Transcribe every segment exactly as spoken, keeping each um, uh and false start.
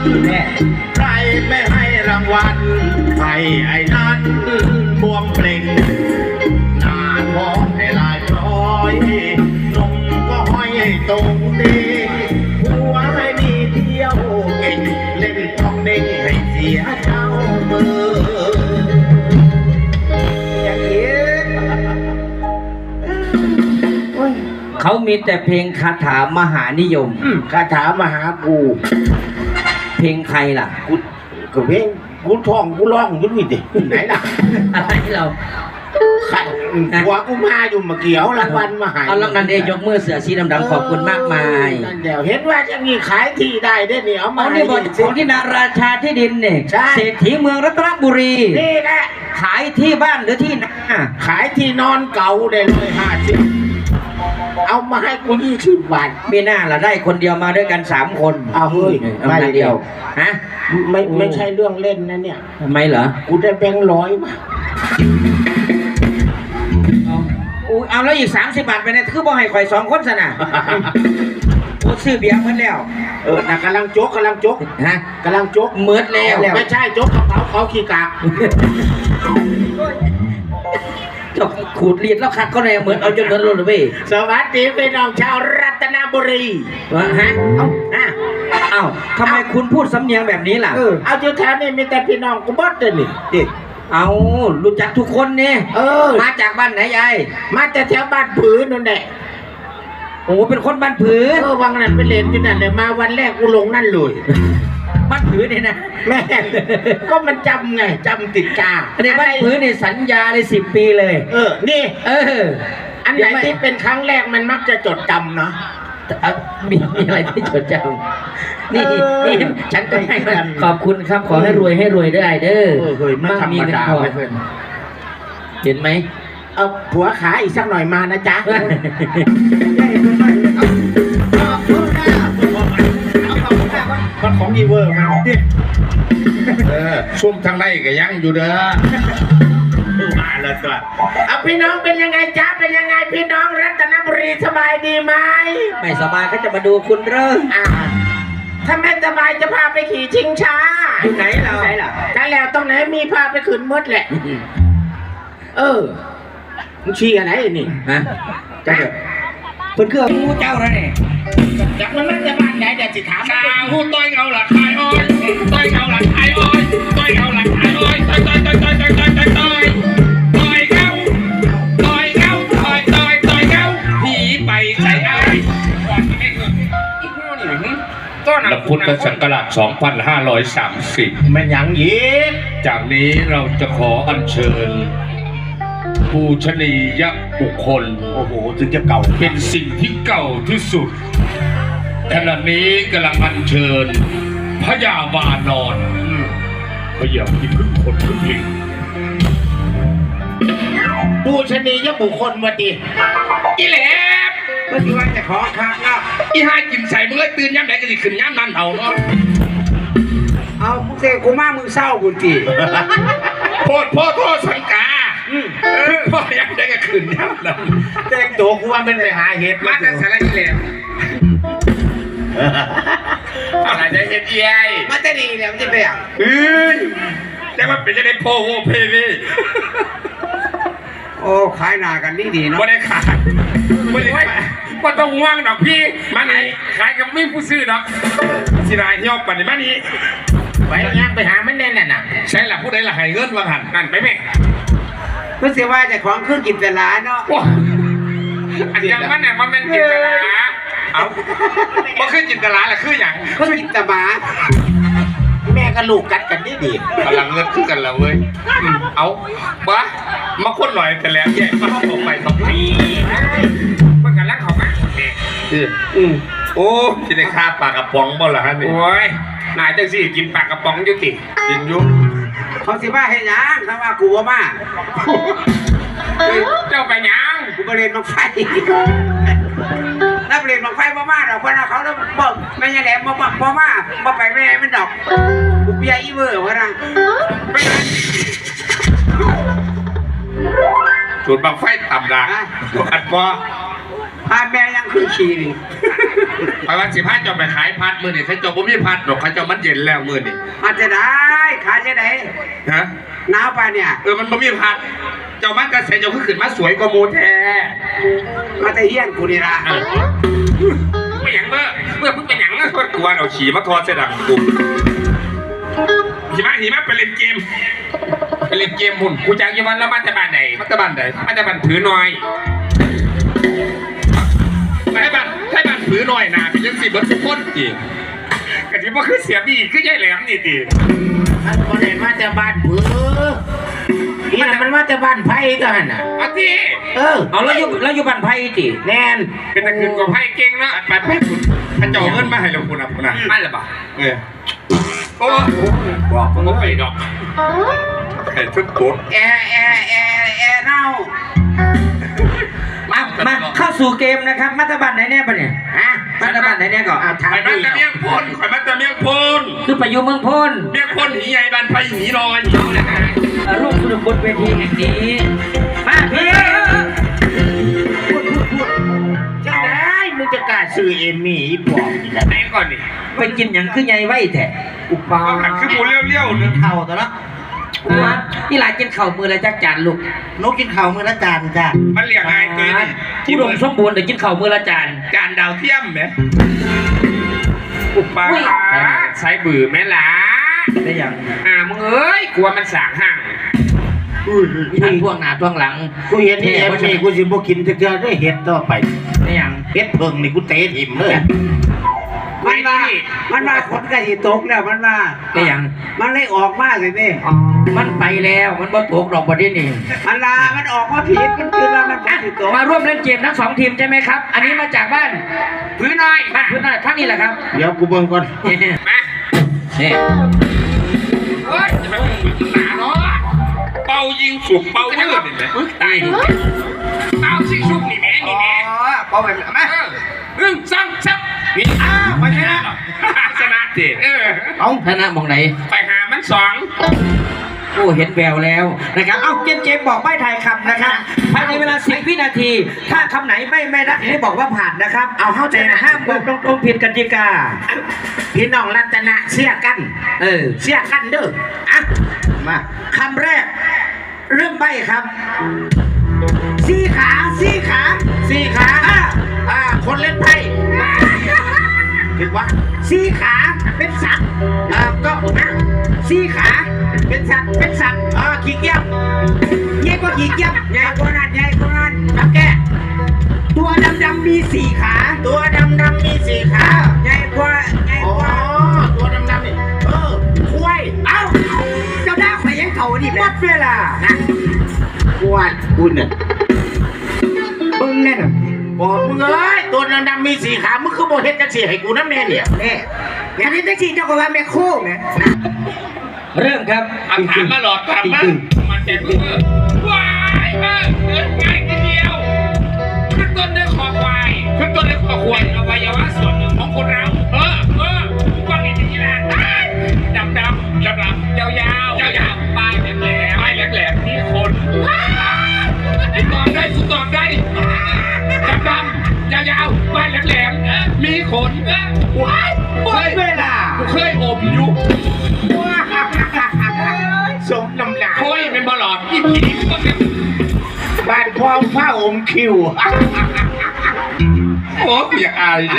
ใครไม่ให้รางวัลให้ไอ้นั้นบวมเปล่งหน้ามองให้ลายพร้อยนมก็ห้อยตรงดีหัวให้มีเที่ยวเก่งเล่นต้องเด้งให้เสียเจ้ามืออย่างนี้เขามีแต่เพลงคาถามหานิยมคาถามหากูเพลงใครล่ะกูก็เพลงกูท่องกูร้องอยู่นี่ดิไหนล่ะอะไรเราขัดหัวกูมาอยู่มาเกี่ยวรางวัลมาหายเอาแล้วนั่นเองยกมือเสือสีดำๆขอบคุณมากมายนั่นเดี๋ยวเห็นว่าจะมีขายที่ได้ได้เนี่ยเอามาเอานี่บทของที่นาราชาที่ดินเนี่ยเศรษฐีเมืองรัตนบุรีนี่แหละขายที่บ้านหรือที่นาขายที่นอนเก่าได้เลยห้าสิบเอามาให้กูยี่สิบบาทมีหน้าละได้คนเดียวมาด้วยกันสามคนเอาเฮ้ยไม่เดียวฮะไม่ไม่ใช่เรื่องเล่นนะเนี่ยทำไมเหรอกูได้แบงค์ร้อยมาอู้เอาแล้วอีกสามสิบบาทไปเนี่ยคือบ่ให้ข่อยสองคนสนะโอ้ซื้อเบียร์เหมือนแล้วเออนะกำลังโจ๊กกำลังโจ๊กฮะกำลังโจ๊กเหมือนแล้วไม่ใช่โจ๊กกระเป๋าเขาขี้กากขูดเรียดแล้วคัดก็เลยเหมือนเอาจนเหมือนรถเลยสวัสดีพี่น้องชาวรัตนบุรีวะฮะเอ้าเอ้าทำไมคุณพูดสำเนียงแบบนี้ล่ะเอาจุดแถวนี้มีแต่พี่น้องกูบดเลยนี่ดิเอารู้จักทุกคนเนี่ยเออมาจากบ้านไหนยายมาจากแถวบ้านผือนั่นแหละโอ้เป็นคนบ้านผือเออวังนั้นไปเรียนที่นั่นเลยมาวันแรกกูลงนั่นเลยบ้านผือเนี่ยนะแม่ก็มันจำไงจำติดกาอันนี้บ้านผือเนี่ยสัญญาเลยสิบปีเลยเออนี่เอออันไหนที่เป็นครั้งแรกมันมักจะจดจำเนาะมีมีอะไรที่จดจำนี่นี่ฉันก็ให้ขอบคุณครับขอให้รวยให้รวยได้เด้อมากมีเงินทองเห็นไหมเอาผัวขาอีกสักหน่อยมานะจ๊ะมันของอีเวอร์มาเออซุ่มทางไร่ก็ยังอยู่เด้อมาแล้วตัวเอาพี่น้องเป็นยังไงจ๊ะเป็นยังไงพี่น้องรัตนบุรีสบายดีไหมไม่สบายก็จะมาดูคุณเริ่มอ่าถ้าไม่สบายจะพาไปขี่ชิงช้าอยู่ไหนเราไหนล่ะกันแล้วตรงไหนมีพาไปขึ้นมดแหละเออมึงชี้อะไรนี่ฮะจ้าเพื่อนเครื่องมูเจ้าแล้วเนี่ยจากมันมันจะบ้านไหนเดี๋ยวจิถามชาหูต้อยเงาหลักไทยอ้อยต้อยเงาหลักไทยอ้อยต้อยเงาหลักไทยอ้อยต้อยต้อยต้อยต้อยต้อยต้อยต้อยต้อยต้อยเงาต้อยเงาต้อยต้อยต้อยเงาผีไปใส่ไอ้และพุทธศักราชสองพันห้าร้อยสามสิบแม่นยังยีจากนี้เราจะขออัญเชิญปูชนียบุคคลโอ้โหถึงจะเก่าเป็นสิ่งที่เก่าที่สุดขณะนี้กำลังอัญเชิญพญาวานอนพญาที่พึ่งคนพึ่งลิงปูชนียบุคคลวันดีอีแหลบเมื่อกี้ว่าจะขอคักเนาะอีห้ากินใส่มึงเลยตื่นย้ำไหนก็สิขึ้นย้ำนั่นเอาเนาะเอามึงเสกกูมามึงเศร้ากูจีโพดพ่อโทษสังกาพ่อยังได้ก็ขึ้นย้ำนั่นแต่งตัวกูว่ามันไปหาเห็ดมาแต่สารอีแหลบอะไรจะเห็ดเยัยมาแต่ดีเนี่ยมันจะไปอ่ะเฮ้ยแต่ว่าเป็นจะได้โพโฮเพนี่โอ้ขายหนากันนี่ดีเนาะไม่ได้ขายไม่ได้ว่าต้องว่างดอกพี่มาไหนขายกับไม่ผู้ซื้อดอกสินายที่ออกปันในบ้านนี้ไปย่างไปหามันแน่นน่ะใช่หลับผู้ใดหลักหายเงินวางหันนั่นไปไหมเพื่อเสียว่าจะของเครื่องกินแต่ละเนาะอันยังมันเนี่ยมันเป็นกินแต่ละเอามันคือจินตลาแหละคืออย่างคือจินตบาแม่กับลูกกัดกันดีดีพลังเงินคือกันแล้วเว้ยเอาบ้ามาคนหน่อยแต่แล้วแย่มาเข้าไปสองปีมันกันรักเขาไหมเนี่ยอืมโอ้ที่ได้ฆ่าปลากระป๋องบ่ล่ะฮะนี่โอ้ยนายจังสิกินปลากระป๋องยุติกินยุเขาสิบ้าให้ยังถ้าว่ากูว่าบ้าเจ้าไปยังกูไปเรียนมาไฟนับเรียนมาไฟมามาดอกคนเขาแล้วบอกไม่ใช่แหลมมาบอกมามามาไปแม่มันดอกกูเปียอีเวอร์วะนะไม่ได้จุดบังไฟต่ำดังอัดปอพาแม่ยังคือขี่นี่ไปวันสิบห้าจะไปขายพัดมือนี่ใครจบผมมีพัดหรอกใครจบมันเย็นแล้วมือนี่อาจจะได้ขายจะได้ฮะหนาวไปเนี่ยเออมันบ่มีพัดเจ้ามันกระเสเจ้าขึ้นมาสวยกว่าโมแท้มาแต่เฮี้ยนกูนี่ละเออไม่หยังเมื่อเมื่อเพิ่งเป็นหยังนะกวนเอาฉี่มาทอดเสดังกูหิมะหิมะไปเล่นเกมไปเล่นเกมหุ่นกูจากยี่วันแล้วมาแต่บ้านไหนมาแต่บ้านไหนมาแต่บ้านถือหน่อยให้บ้านให้บ้านถือหน่อยนะเป็นยังสิบเบิร์ดทุกคนจีกะทิว่าคือเสียบีคือยายแหลมนี่จีมันบ่ได้มาจากบ้านผือนี่น่ะมันมาจากบ้านไผ่กันน่ะอาทีเออเอาแล้วอยู่แล้วอยู่บ้านไผ่ติแน่นเป็นตะคืนกับไพ่เก่งนะไปไปคุณพระเจ้าเงินมาให้เราคุณนะคุณนะไม่หรือเปล่าเออโอ้บอกผมไปดอกไอ้ทุกตัวแอร์แอร์แอร์แอร์เน่ามามาเข้าสู่เกมนะครับมัตตบันไหนแน่ปะเนี่ยฮะมัตตบันไหนแน่ก่อนเอาถามข่อยมันจะเมียงพลข่อยมันจะเมียงพลคือไปอยู่เมืองพนเมียงพลหีใหญ่บันไฟหีลอยร่วมสนุกบนเวทีแห่งนี้มาพี่พูดพูดพูดจะได้มึงจะกล้าซื้อเอมี่อีปอบนี่แหละไหนก่อนนี่ไปกินอย่างคือใหญ่ไว้แท้อุปาเอาหันขึ้นหมูเลี้ยวๆนึงเข่าตัวละมาที่หลายกินข้าวมือละจักจานลูกนกกินเข่าวมือละจานจ้ะมันเรียกไงเกยนี่ผู้ดมสมบูรณ์เดี๋ยวกินข้าวมือละจานจานดาวเทียมไหมอุปาใช้บือแม่ล่ะได้อย่างอ่ามึงเอ้ยกลัวมันสางห่างทั้งพวกหน้าพวกหลังกูเห็นนี่เอมี่กูสิบ่กินจะเจอได้เห็ดต่อไปได้อย่างเห็ดเพิ่งนี่กูเตะถิ่มเลยมันมามันมาขนกระสีตกแล้วมันมาได้อย่างมันเลยออกมาเลยนี่อ๋อมันไปแล้วมันบ่ตกดอกบ่ได้นี่มันลามันออกมาผิดมันคือว่ามันขนสีตกมาร่วมเล่นเกมทั้งสองทีมใช่ไหมครับ อันนี้มาจากบ้านพื้นน้อยบ้านพื้นหน้าท่านนี่แหละครับเดี๋ยวกูเบิ่งก่อนนี่มานี่เฮ้ยจะมาหนาเนาะเป่ายิงสุกเป่าเลือดเห็นไหมตายเป่าสิสุกนี่แม่นี่แม่พอไปมาหนึ่งสองสามนี่อ้าวไปชนะชนะสิเออเอาธนะมองไหนไปหามันสองโอ้เห็นแววแล้วนะครับเอาเกมเกมบอกไม่ทายคำนะครับภายในเวลาสิบวินาที ถ้าคำไหนไม่ไม่ได้ให้บอกว่าผ่านนะครับ เอาเข้าใจนะห้ามบอกตรงๆผิดกติกาพี่น้องรัตนะเสียกันเออเสียกันเด้ออ่ะมาคำแรก เริ่มใบครับสี่ขาสี่ขาสี่ขาอ่าอ่าคนเล่นไพ่ถึงว่าสี่ขาเป็นสัตว์อ่าก็นะสี่ขาเป็นสัตว์เป็นสัตว์อ่าขี้เกียจใหญ่กว่าขี้เกียจใหญ่กว่านั้นใหญ่กว่านั้นทำแกตัวดำๆมีสี่ขาตัวดำดำมีสี่ขาใหญ่กว่าใหญ่อ๋อกว่าตัวดำดำนี่เออควายเอ้าเจ้าหน้าข่อยยังเข่านี่หมดเวลานะควายคุณเนี่ยมึงเนี่ยน่ะบอกมึงเอ้ยตัวดำดำมีสี่ขามึงคือโบเฮ็ดจังสี่ให้กูน้ำแน่เนี่ยเนี่ยอันนี้แท็กซี่เจ้าก็ว่าแม่โคไหมเริ่มครับเอาถามมาหลอดถามมามันแจกมือว้ายเออเดินง่ายทีเดียวขึ้นต้นด้วยคอควายขึ้นต้นด้วยคอควายอวัยวะส่วนหนึ่งของคนเราเออเออก้อนนี้จริงๆนะดำดำดำดำยาวยาวยาวยาวปลายแหลมแหลมปลายแหลมแหลมนี่คนกูตอบได้กูตอบได้ดำดำยาวยาวปลายแหลมแหลมมีขนว้ายหมดเวลากูเคยอมอยู่สมน้ำหนักโอ้ยเป็นบอลลอดอีผีก็เป็นบ้านพ่อผ้าอมคิวโอ้ยอยากอายดิ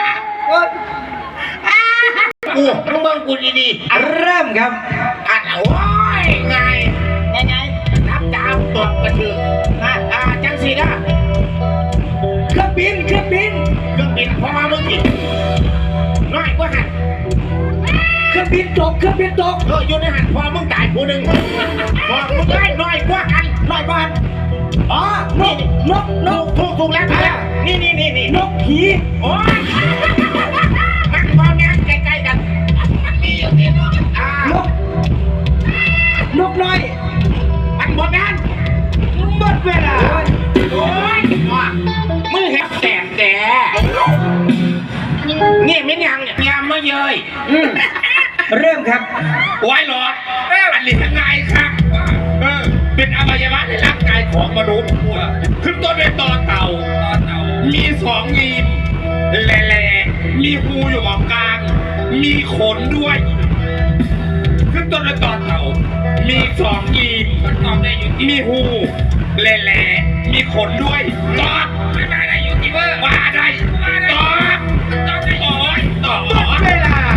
กูมึงเบิ่งกูดีๆอ่ะเริ่มครับอ่ะโอ้ยไงไงไงนับดาวตกกระถือนะอ่าจังสีนะเครื่องบินเครื่องบินเครื่องบินพอมาเมื่อกี้น้อยกว่าหันเครื่องบินตกเครื่องบินตกเอออยู่ในหันพอมึงตายผู้หนึ่งพอมึงได้น้อยกว่ากันน้อยกว่าหันอ๋อนกนกนกถูกถูกแล้วถูกแล้วนี่นี่นี่นี่นกผีโอ้ยมันพอแง่ใกล้ๆกันมันมีอยู่ที่นู่นอ่านกนกน้อยมันหมดงานหมดเวลาโอ้ยว่ะมือเห็บแตกแต่นี่ไม่ยังเนี่ยยามไม่เยยเริ่มครับไว้หลอดอันนี้ยังไงครับเออเป็นอวัยวะในร่างกายของมนุษย์ขึ้นต้นด้วยต่อเต่าต่อเต่ามีสองงีมแหลมีหูอยู่หมองกลาง มีขนด้วย ขึ้นต้นด้วยต่อเต่า มีสองกีบมันตอบได้อยู่มีหูแหล่ๆมีขนด้วยตอบไม่ได้ได้อยู่ที่เบอร์ว่าได้ตอบตอบได้โอ้ยตอบเวลา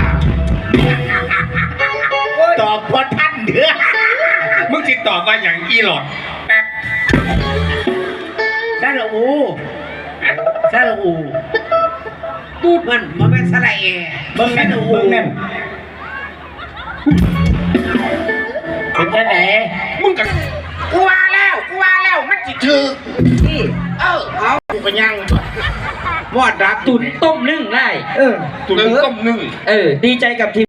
ตอบพอท่านเดือมึงจิตตอบมาอย่างอีหลอดแป๊บซาลาอูซาลาอูตูดมันมันเป็นสระเอเบิ่งแน่นเบิ่งแน่นเป็นจังไหนมึงกับกูว่าแล้วกูว่าแล้วมันจิถือนี่เออเอากูก็ยังวอดรักตุนต้มนึ่งได้เออตุนต้มนึ่งเออ ดีใจกับทีม